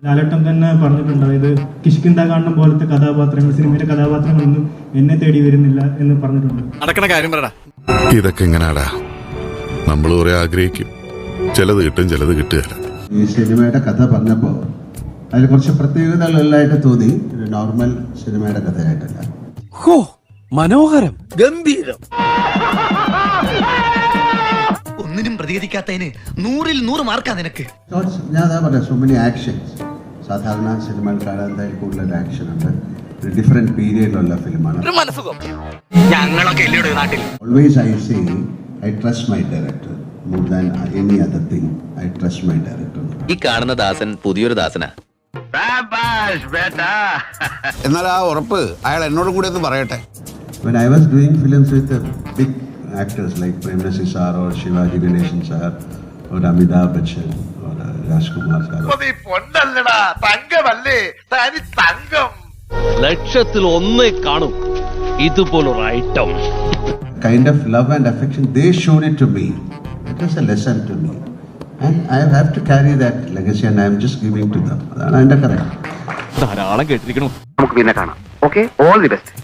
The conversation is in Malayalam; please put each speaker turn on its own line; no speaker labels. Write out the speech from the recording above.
ലാലേട്ടൻ തന്നെ പറഞ്ഞിട്ടുണ്ട്, ഇത് കിഷ്കിന്ധാകാണ്ഡം പോലത്തെ കഥാപാത്രങ്ങൾ, സിനിമയിലെ കഥാപാത്രങ്ങളൊന്നും എന്നെ തേടി വരുന്നില്ല എന്ന് പറഞ്ഞിട്ടുണ്ട്.
നടക്കണ കാര്യം പറടാ.
ഇതൊക്കെ എങ്ങനാടാ? നമ്മൾ കുറെ ആഗ്രഹിക്കും, ചിലത് കിട്ടും, ചിലത് കിട്ടുകയില്ല.
ഈ സിനിമയുടെ കഥ പറഞ്ഞപ്പോൾ അതിൽ കുറച്ച് പ്രത്യേകതകളെല്ലായിട്ട് തോന്നി. ഒരു നോർമൽ സിനിമയുടെ കഥയായിട്ടല്ല.
ഹോ, മനോഹരം, ഗംഭീരം.
ഒന്നിനും പ്രതികരിക്കാത്തതിന് 100-ൽ 100 മാർക്കാ നിനക്ക്.
ഞാൻ അതാ പറയാം, സോ മെനി ആക്ഷൻസ്. സാധാരണ സിനിമയിൽ കാണാൻ എന്തായാലും കൂടുതൽ ആക്ഷൻ ഉണ്ട്. ഒരു ഡിഫറെന്റ് പീരിയഡിലുള്ള ഫിലിമാണ്.
ഞങ്ങളൊക്കെ നാട്ടിൽ
always I say I trust my director more than any other thing. I trust my director.
ഈ കാണുന്ന ദാസൻ പുതിയൊരു ദാസനാ.
എന്നാൽ ആ ഉറപ്പ് അയാൾ എന്നോട് കൂടെ ഒന്ന് പറയട്ടെ.
When I was doing films with big actors like Prem Nasi sir or Shivaji Ganeshan sir or Amitabh Bachchan or Rajkumar sir.
ലക്ഷത്തിൽ ഒന്നേ കാണും ഇതുപോലൊരു item.
Kind of love and affection they showed it to me. It was a lesson to me. And I have to carry that legacy and I am just giving to them. അതാണ് എൻ്റെ കറക്റ്റ്.
ധാരാളം കേട്ടിരിക്കണു.
നമുക്ക് പിന്നെ കാണാം. Okay, all the best.